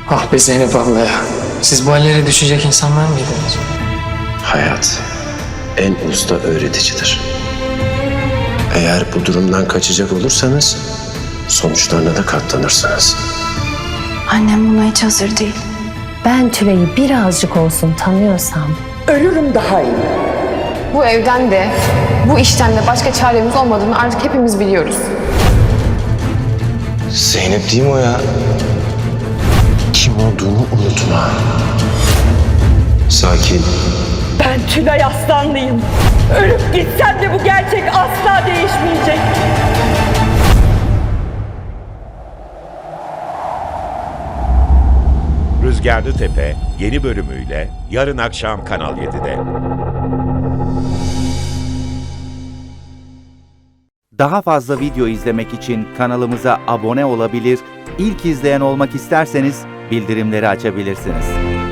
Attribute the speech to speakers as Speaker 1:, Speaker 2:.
Speaker 1: Ah be Zeynep abla ya. Siz bu hallere düşecek insanlar mıydınız?
Speaker 2: Hayat en usta öğreticidir. Eğer bu durumdan kaçacak olursanız sonuçlarına da katlanırsınız.
Speaker 3: Annem buna hiç hazır değil.
Speaker 4: Ben Tülay'ı birazcık olsun tanıyorsam
Speaker 5: Ölürüm daha iyi.
Speaker 6: Bu evden de, bu işten de başka çaremiz olmadığını artık hepimiz biliyoruz.
Speaker 2: Zeynep değil mi o ya? Kim olduğunu unutma. Sakin.
Speaker 5: Ben Tülay Aslanlıyım. Ölüp gitsem de bu gerçek asla değişmeyecek.
Speaker 7: Rüzgarlı Tepe yeni bölümüyle yarın akşam Kanal 7'de.
Speaker 8: Daha fazla video izlemek için kanalımıza abone olabilir, ilk izleyen olmak isterseniz bildirimleri açabilirsiniz.